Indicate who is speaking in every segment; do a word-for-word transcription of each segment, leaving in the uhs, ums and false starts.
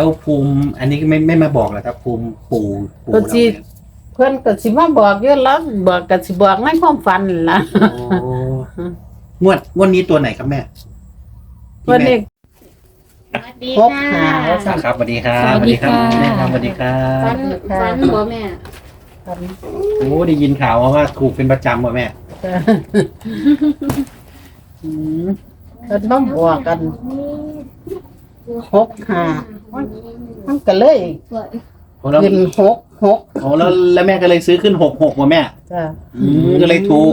Speaker 1: แล้วภูมิอันนี้ไม่ไม่มาบอกเหรอครับ ภูมิปู่ปู่
Speaker 2: ก็
Speaker 1: เรา
Speaker 2: สิ
Speaker 1: เนี่ย
Speaker 2: เพิ่นก็สิมาบอกอยู่แล้วบอกก็สิบอกในความฝันนั่นล่ะ
Speaker 1: โอ้งวดงวดนี้ตัวไหนครับแม่ที่
Speaker 2: วัน
Speaker 1: แม่
Speaker 2: นี้
Speaker 3: สวัสดี
Speaker 2: พบ
Speaker 3: ค่ะ
Speaker 2: หา
Speaker 1: อ่าครับสวัสดีครับ
Speaker 3: สวัสดีค่ะ
Speaker 1: แม่ครับสวัสดีครั
Speaker 3: ฟั
Speaker 1: บ
Speaker 3: นฟันบ่แม่
Speaker 2: ฝัน
Speaker 1: โอ้ได้ยินข่าวมาว่าถูกเป็นประจำว่ะแม่
Speaker 2: จ้ะอืมเพิ่นมาบอกกันหกห้ามันก็เลย
Speaker 1: โอ้แล้ว
Speaker 2: ขึ้นหกหก
Speaker 1: โอ้แล้วแล้วแม่ก็เลยซื้อขึ้นหกหกว่ะแม่
Speaker 2: จ้ะ
Speaker 1: อืมก็เลยถูก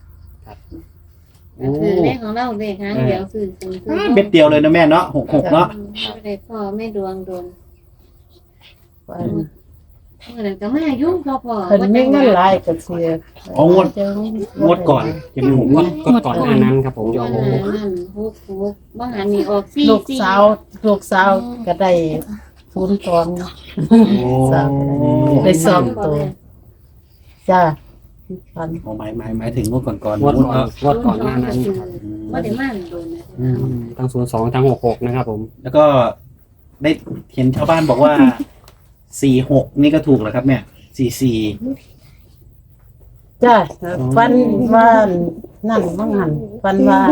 Speaker 3: ก็คือเลขของเราเลขครั้งเดียวคือคือคือ
Speaker 1: เม็ดเดียวเลยนะแม่เนาะหกหกเนาะ
Speaker 3: ไม่ได้พ่อไม่ดวงโดน
Speaker 2: ฝัน
Speaker 3: เมื่อนั้นก็มายุ่งพอพอ
Speaker 2: เพิ่นมีเงินหลายก็เสีย
Speaker 1: อ๋องวดงวดก่อนจะมีหกงวด
Speaker 4: ก็ก่อนหน้านั้นครับผมโย
Speaker 3: วัน
Speaker 4: ม
Speaker 3: นั้นฮุกฮุกบ้างหันนี่ออกซี่
Speaker 2: ลูกสาวลูกสาวก็ได้ศูนย์ตอง
Speaker 1: โอ้
Speaker 2: สามได้สองตัวจ้ะฝัน
Speaker 1: โอ้หมายหมายหมายถึงงวดก่อนก่อน
Speaker 4: งวดก่อนงวดก่อนหน้านั้น
Speaker 3: ว่าได้มาโดนนะ
Speaker 1: อืม
Speaker 4: ทั้งศูนย์สองทั้งหกหกนะครับผม
Speaker 1: แล้วก็ได้เห็นชาวบ้านบอกว่าสี่หกนี่ก็ถูกแล้วครับแม่สี่สี่
Speaker 2: จ้ะฟันว่านนั่นบ้างหันฟันว่าน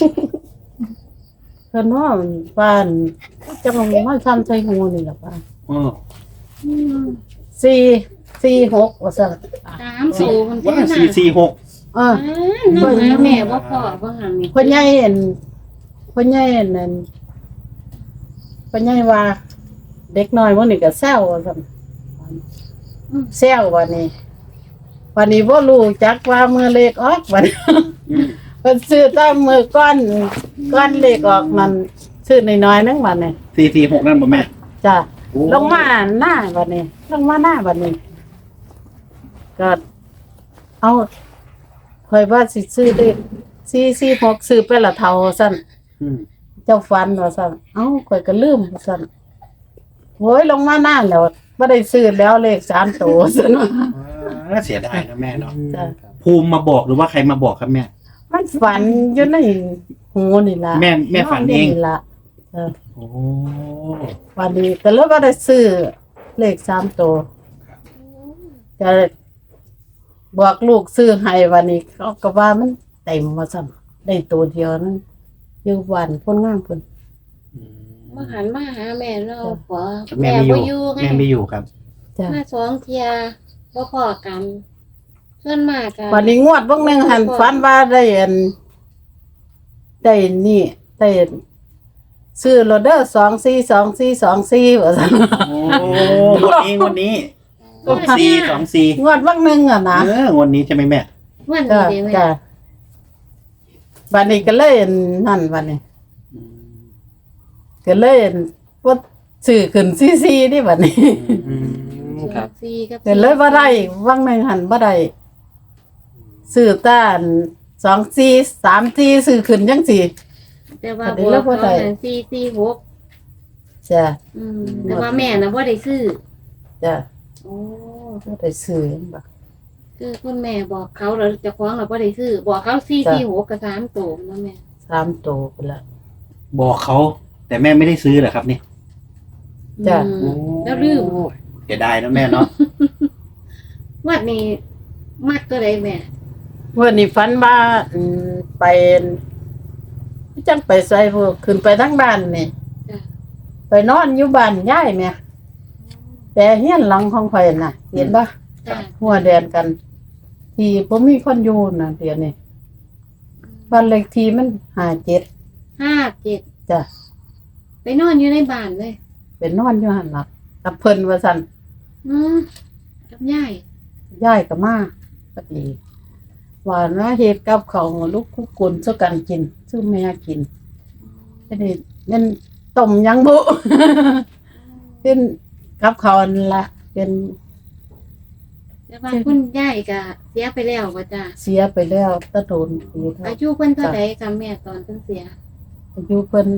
Speaker 2: เพิ่นว่าว่านจะมามาทำใส่หูนี่แหละป่ะ
Speaker 1: อ๋อ
Speaker 2: สี่สี่หกว่าซั่น
Speaker 3: สามสูมัน
Speaker 1: ว่า
Speaker 3: เป็น
Speaker 1: สี่สี่หก
Speaker 2: เออ
Speaker 3: น้องหาแม่ว่าพ่อบ้างหันนี่
Speaker 2: พ่อใหญ่เห็นพ่อใหญ่เห็นนั่นพ่อใหญ่ว่า เด็กน้อยวันนี้ก็แซวว่าซั่นแซววันนี้วันนี้บ่รู้จักว่ามือเลขออกวัน
Speaker 1: อืม
Speaker 2: เพิ่นซื้อตามมือก้อนก้อนเลขออกมันซื้อน้อยๆนึงบัดนี้
Speaker 1: สี่สี่หกนั่นป่ะแม่
Speaker 2: จ้ะ
Speaker 1: โอ้
Speaker 2: ลงมาหน้าบัดนี้ลงมาหน้าบัดนี้ก็เอาข่อยว่าสิซื้อเลขสี่สี่หกซื้อไปละเท่าซั่น
Speaker 1: อืม
Speaker 2: เจ้าฟันว่าซั่นเอ้าข่อยก็ลืมว่าซั่นโอ้ยลงมาหน้าแล้วบ่ได้ซื้อแล้วเลขสามตัวซั่นว่า
Speaker 1: อ่าเสียดายนะแม่เนาะ
Speaker 2: จ้ะ
Speaker 1: ภูมิมาบอกหรือว่าใครมาบอกครับแม่
Speaker 2: มันฝันอยู่ในหูนี่ล่ะ
Speaker 1: แม่แม่ฝันเอง
Speaker 2: นี่ล่ะเออ
Speaker 1: โอ้
Speaker 2: วันนี้ก็เลยบ่ได้ซื้อเลขสามตัวจะบอกลูกซื้อให้วันนี้เขาก็ว่ามันเต็มว่าซั่นได้ตัวเดียวนั้นอยู่บ้านคนงามเพิ่น
Speaker 1: อืม
Speaker 3: บ้างหันมาหาแม่เราขอ
Speaker 1: แม่
Speaker 3: แม่
Speaker 1: ไม่อ
Speaker 3: บ่
Speaker 1: ยู่
Speaker 3: อยู่ไง
Speaker 1: แม่ไม่อยู่ครับ
Speaker 2: จ้ะ
Speaker 3: มาสองเทียบ่พอกันส่วนมากกัน
Speaker 2: วันนี้งวดเบิ่งหนึงหันฝันว่าได้อันได้นี่ได้ซื้อโรเดอร์สองสี่สองสี่สองสี่ว่าซั่น
Speaker 1: โอ้งวดนี้งวดนี้สองสี่สองสี่
Speaker 2: งวดเบิ่งหนึงอ่ะนะ
Speaker 1: เอองวดนี้ใช่ไหมแม่
Speaker 3: วัน
Speaker 2: จ้ะ
Speaker 3: นี้เด้แม่
Speaker 2: จ้ะวันนี้ก็เลยอันนั่นวันนี้
Speaker 1: อืม
Speaker 2: ก็เลยว่าสื่อขึ้นซีซีนี่บัดนี้
Speaker 4: อืมครับ
Speaker 3: สี่กับ
Speaker 2: ก็เลยบ่ได้ว่างหนึงหันบ่ได้สื่อต้านสองซีสามซีสื่อขึ้นจังสี่
Speaker 3: แต่ว่า
Speaker 2: อันนี้
Speaker 3: บัว
Speaker 2: เราบ่
Speaker 3: เขา
Speaker 2: ได้
Speaker 3: นั่นสี่สี่หก
Speaker 2: จ้ะ
Speaker 3: อืมแต่ว่าแม่น่ะบ่ได้ซื้อ
Speaker 2: จ้ะ
Speaker 3: โอ้
Speaker 2: บ่ได้ซื้อบ่
Speaker 3: คือคุณแม่บอกเขาแล้วเจะคว้าของเราบ่ได้ซื้อบอกเขาสี่สี่หกกับสามโตมนะแม่
Speaker 2: สามโตไปละ
Speaker 1: บอกเขา แต่แม่ไม่ได้ซื้อเหรอครับนี่
Speaker 2: จ้ะ
Speaker 3: อืมแล้วลืม
Speaker 1: เสียดายนะแม่เนาะ
Speaker 3: วัดนี้มักตัวใดแม่
Speaker 2: วันนี้ฝันว่าอืมไปจังไปใส่พวกขึ้นไปทั้งบ้านนี่
Speaker 3: จ้ะ
Speaker 2: ไปนอนอยู่บ้านยายแม่แต่เฮียนหลังของข่อยน่ะ เห็นบ่
Speaker 3: จ้ะ
Speaker 2: หัวแดนกัน ที่ผมมีคนอยู่นะเดี๋ยวนี้บ้านเลขที่มันห้าเจ็ด
Speaker 3: ห้าเจ็ด
Speaker 2: จ้ะ
Speaker 3: ไปนอนอยู่ในบ้านเลย
Speaker 2: เป็นนอนอยู่หันหลักกับเพิ่นว่าสั่น
Speaker 3: อืมกับยาย
Speaker 2: ย่ายกับมาก็ดีว่านะเฮ็ดกับเขาวลูกคุกกุนสู้กันกินสู้แม่กินอันนี้นั่นต้มยังบุ เป็นกับเขาวนั่นละเป็น
Speaker 3: แต่ว่าคุณยายก็เสียไปแล้วว่าจ้ะ
Speaker 2: เสียไปแล้วตะโดนปีเท่า
Speaker 3: อายุเพิ่นเท่าใดกับแม่ตอนเพิ่นเสีย
Speaker 2: อายุเพิ่น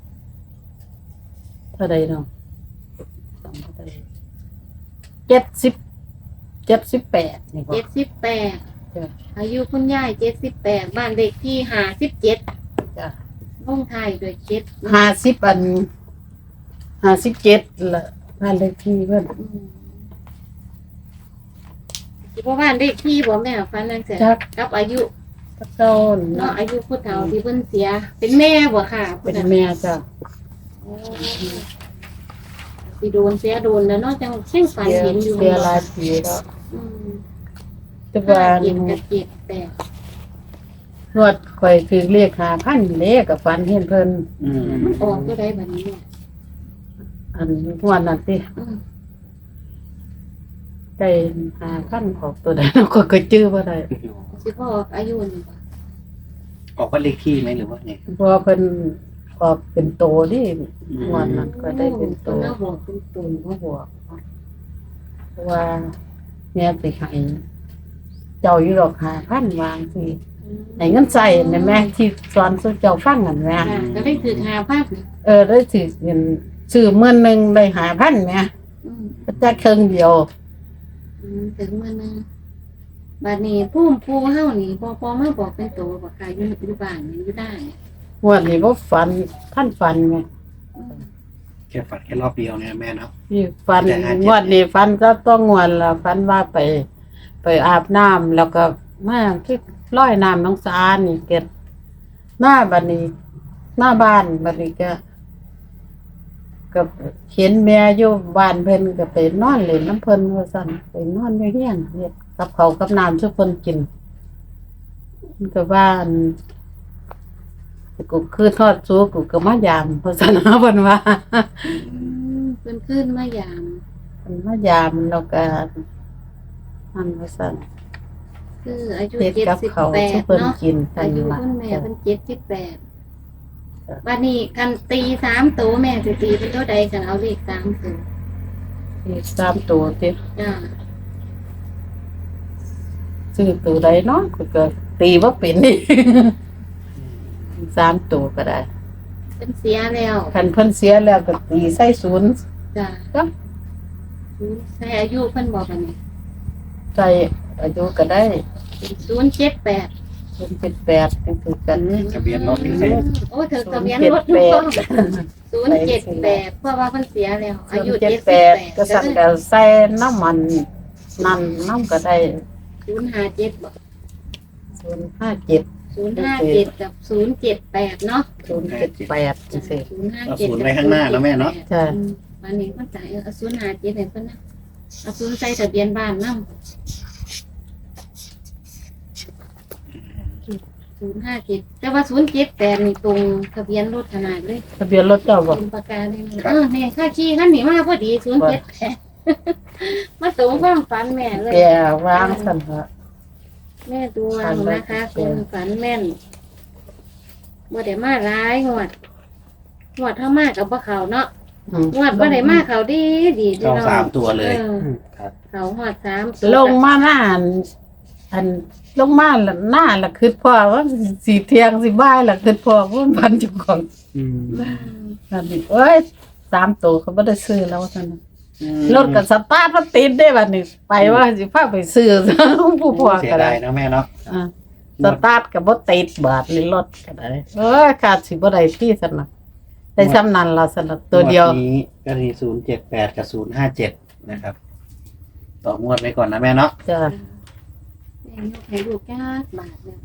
Speaker 2: เท่าใดเนาะสองเท่าใดเจ็ดสิบเจ็ดสิบแปดนี่บ่
Speaker 3: เจ็ดสิบแปด
Speaker 2: จ้ะ
Speaker 3: อายุคุณยายเจ็ดสิบแปดบ้านเด็กที่ห้าสิบเจ็ด
Speaker 2: จ้ะ
Speaker 3: ลงไทายโดวยเจ็ด
Speaker 2: ห้าสิบอันห้าสิบเจ็ดละบ้านเลขที่เพิ่น
Speaker 3: อืมสิบ่บ้านเลขที่บ่แม่ฟันนั่นเสีย
Speaker 2: จัก
Speaker 3: กับอายุ
Speaker 2: ตะเก้า
Speaker 3: เนาะ
Speaker 2: เนาะ
Speaker 3: อายุผู้เฒ่าที่เพิ่นเสีย เป็นแม่บ่ค่ะ
Speaker 2: เป็นแม่จ้ะ
Speaker 3: โอ้สิโดนเสียโดนแล้วเนาะจังเช่งฝัน
Speaker 2: เสีย
Speaker 3: เห็นอยู่
Speaker 2: เสียหลายปีแล้ว
Speaker 3: อืม
Speaker 2: แต่ว่า
Speaker 3: เจ็ดกับเจ็ดแปด
Speaker 2: นวดข่อยถือเรียกหาพันเลขกับฟันเห็นเพิ่น
Speaker 1: อืม
Speaker 3: มันออกก็ได้แบบนี้เนี่ย
Speaker 2: อันงวดนั้นติ
Speaker 3: อืม
Speaker 2: ได้หาพันออกตัวใดแล้วก็ก็จื้อบ่ได้
Speaker 3: สิพ่อออกอายุนี่บ่
Speaker 1: ออกว่าเลขที่ไหมหรือว่าไง
Speaker 2: เพราะว่าเพิ่นออกเป็นโตดิงวดนั้นก็ได้เป็นโต
Speaker 3: เนาบอกเป็นตุน
Speaker 2: บ่บวกเพราะว่าแม่สิให้เจ้าอยู่ดอกหาพันวางสิให้เงินใส่นั่นแม่ที่สอนสู่เจ้าฟังนั่นแม่
Speaker 3: ค่ะก็ได้ถือหาภาพ
Speaker 2: เออได้สิเงินซื้อมื้อนึงได้หาพันแม่
Speaker 3: อืม
Speaker 2: ก็จักครึ่งเดียว
Speaker 3: อืมถึงมื้อนึงบัดนี้ผู้ผู้เฮานี่พอพอมาบอกเป็นตัวบอกค่ะอยู่อยู่บ้านนี่อยู่ได้เนี่ย
Speaker 2: งวดนี้บ่ฝันท่านฝันแม่
Speaker 3: อืม
Speaker 1: แค่ฝันแค่รอบเดียวเนี่ยแม่เนาะ
Speaker 2: นี่ฝัน
Speaker 1: แต่หาเจ็ด
Speaker 2: งวดนี้ฝันก็ต้องงวดละฝันว่าไป ไปอาบน้ำแล้วก็มาที่ร้อยน้ำน้องสานี่เกิดหน้าบัดนี้หน้าบ้านบัดนี้ก็ก็เห็นแม่อยู่บ้านเพิ่นก็ไปนอนเล่นน้ำเพิ่นว่าซั่นไปนอนอยู่เฮียนเฮ็ดกับเขาวกับน้ำซุปเพิ่นกินมันก็บ้านกูคือทอดซูกูก็มายามเพราะซั่นนะเพิ่นว่า
Speaker 3: อืมเพิ่นขึ้นมายาม
Speaker 2: เพิ่นมายามแล้วก็อันว่าซั่น
Speaker 3: คืออายุ
Speaker 2: เฮ็ด
Speaker 3: เจ็ด
Speaker 2: กับ
Speaker 3: สิบ
Speaker 2: เขาว
Speaker 3: แป
Speaker 2: ซุ
Speaker 3: ด
Speaker 2: เพิ่น
Speaker 3: เนาะ
Speaker 2: กิน
Speaker 3: อายุ
Speaker 2: ล่ะ
Speaker 3: คุณแม่
Speaker 2: จ้ะ
Speaker 3: เป็นเจ็ดสิบแปด
Speaker 2: จ้ะ
Speaker 3: วันนี้กันตีสามตัวแม่สิตีเป็นเท่าใดกันเอาเลขสามตัว
Speaker 2: อีกสามตัวติ
Speaker 3: จ้า
Speaker 2: ซื้อตัวใดเนาะก็ก็ตีบ่เป็นนี่ สามตัวก็ได้
Speaker 3: เป็นเสียแล้ว
Speaker 2: คันเพิ่นเสียแล้วก็ตีใส่ศูนย์
Speaker 3: จ้า
Speaker 2: ครับ
Speaker 3: ใช้อายุเพิ่นบอกกันนี่
Speaker 2: ใส่อายุก็ได้
Speaker 3: เป็นศูนย์เจ็ดแปด
Speaker 2: ศูนย์เจ็ดแปดจังซี่กัน
Speaker 1: ทะเบียนรถนี่
Speaker 3: โอ้เธอทะเบียนรถทุกคนศูนย์เจ็ดแปดเพราะว่าเพิ่นเสียแล้ว อายุ
Speaker 2: เจ็
Speaker 3: เจ็
Speaker 2: ด
Speaker 3: ด
Speaker 2: แป
Speaker 3: สิบ
Speaker 2: ด
Speaker 3: แปด
Speaker 2: ก็สั่นก็ใส่น้ำมันนั่นน้ำก็ได้
Speaker 3: ศูนย์ห้าเจ็ดบอก
Speaker 2: ศูนย์ห้าเจ็ด
Speaker 3: ศูนย์ห้าเจ็ดกับศูนย์เจ็ดแปดเนาะ
Speaker 2: ศูนย์เจ็ดแปดจังซี่
Speaker 3: ศูนย์ห้า
Speaker 1: เอา
Speaker 3: เจ็ด
Speaker 1: ศูนย์ไว้ข้างหน้าแล้วแม่เนาะ
Speaker 2: ใช่
Speaker 3: วันนี้เพิ่นจ่ายเอาศูนย์ห้าเจ็ดให้เพิ่นนะเอาศูนย์ใส่ทะเบียนบ้านนำศูนย์ห้าเจ็ดแต่ว่าศูนย์เจ็ดแปดนี่ตรงทะเบียนรถขนาดเลย
Speaker 2: ทะเบียนรถเจ้าบ่
Speaker 3: เป็นประกาเลยนะเออแม่ค่าขี่ขั้นนี้มาพอดีศูนย์เจ็ดแปดมาตรงความฝันแม่เลย
Speaker 2: แกวางสั่นฮะ
Speaker 3: แม่ดวงนะคะคุณฝันแม่นบ่ได้มาร้ายงวดงวดเท่ามากกับบ่เขาเนาะ
Speaker 2: อืม
Speaker 3: งวดบ่ได้มาเขาดีดีดี
Speaker 1: เข้า
Speaker 3: เนาะ
Speaker 1: สามตัวเลย
Speaker 3: ออ
Speaker 4: ครับ
Speaker 3: เขาหอดสาม
Speaker 2: ลงมาหน้าอันอันลงมาละหน้าละคือพ่อว่าสีเทียงสิบ่ายละคือพ่อว่าพันจุของ
Speaker 4: อืม
Speaker 3: อืม
Speaker 2: นั่นนี่เอ้ยสามตัวเขาบ่ได้ซื้อแล้วซั่นน่ะ
Speaker 1: อืม
Speaker 2: รถก็สตาร์ทบ่ติดได้บัดนี้ไปว่าสิพาไปซื้อ ผู้พ่อ
Speaker 1: เสีย
Speaker 2: ก็ได้
Speaker 1: ดายนะแม่เนาะ
Speaker 2: อ่าสตาร์ทก็บ่ติดบาดนี่รถก็ได้เอ้ยขาดสิบ่ได้ที่ซั่นน่ะได้ซ้ำนั้นล่ะซั่นน่ะตัวเดียว
Speaker 1: งนี้ก็มีศูนย์เจ็ดแปดกับศูนย์ห้าเจ็ดนะครับ ต่องวดไว้ก่อนนะแม่เนาะ
Speaker 2: จ้ะ
Speaker 3: แม่ยกให้ลูกจ้าบาทเลย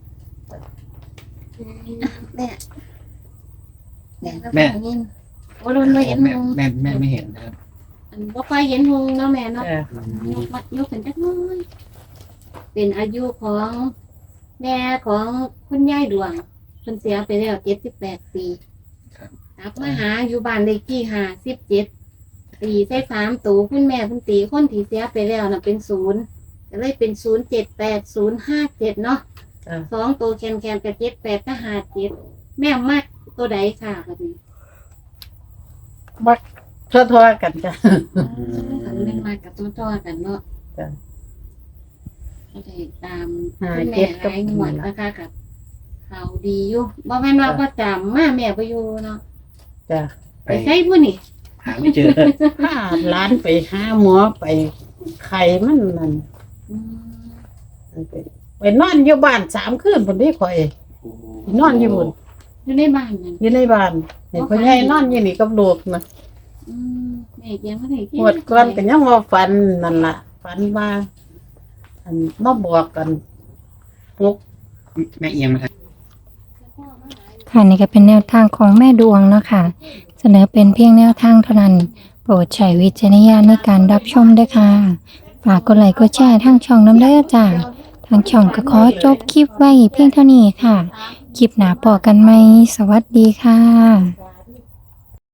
Speaker 3: แม่แม่แม่โอ้รุนมาเห็น
Speaker 1: แม่
Speaker 3: หง
Speaker 1: แม่แม่ไม่เห็นนะครับ
Speaker 3: อันบ่ค่อยเห็นหงเนาะแม่เนาะ
Speaker 2: จ้ะ
Speaker 3: ยกมายกเป็นจักหน้อย เป็นอายุของแม่ของคุณยายดวงเพิ่นเสียไปแล้วเจ็ดสิบแปดปีกลับมาหาอยู่บ้านเลขที่ห้าสิบเจ็ดตีใส่สามตัวคุณแม่เพิ่นตีคนที่เสียไปแล้วน่ะเป็นศูนย์ก็เลยเป็นศูนย์เจ็ดแปดศูนย์ห้าเจ็ดเนาะ
Speaker 2: จ้ะ
Speaker 3: สองตัวแคนแคนกับเจ็ดแปดก็ห้าเจ็ดแม่มากตัวใดค่ะแบบนี้
Speaker 2: บักทั่วๆกันจ้ะ
Speaker 3: อันเล่นมากับตัวต่อกันเนาะ
Speaker 2: จ้ะ
Speaker 3: ก็ได้ตาม
Speaker 2: ห้า
Speaker 3: คุณ
Speaker 2: เจ็
Speaker 3: แม่
Speaker 2: ดกับ
Speaker 3: หลายงวดนะคะกับเขาดีอยู่บ่แม่นว่าประจำมาแม่ไปอยู่เนาะ
Speaker 2: จ้ะ
Speaker 1: ไป
Speaker 3: ไปใช้ผู้นี่
Speaker 1: หาไม่เจอ
Speaker 2: พาหลานไปหาหมอไปไข้มันนั่น
Speaker 3: อืม
Speaker 2: ไปไปนอนอยู่บ้านสามคืนพุ่นนี่ข่อยนอนอยู่พุ่น
Speaker 3: อยู่ในบ้านนั่น
Speaker 2: อยู่ในบ้านเห็นพ่อใหญ่นอนอยู่นี่กับลูกนะ
Speaker 3: อืมแม่ยังไม่ได้
Speaker 2: หมดก่อนก็ยังว่าฝันนั่นล่ะฝันว่าอันมาบอกกันหก
Speaker 1: แม่เอียงมาทาง
Speaker 5: ค่ะนี่ก็เป็นแนวทางของแม่ดวงเนาะค่ะเสนอเป็นเพียงแนวทางเท่านั้นโปรดใช้วิจารณญาณในการรับชมด้วยค่ะฝากกดไลค์กดแชร์ทางช่องน้ำได้อจ้าทางช่องก็ขอจบคลิปไว้เพียงเท่านี้ค่ะคลิปหน้าพบกันไหมสวัสดีค่ะ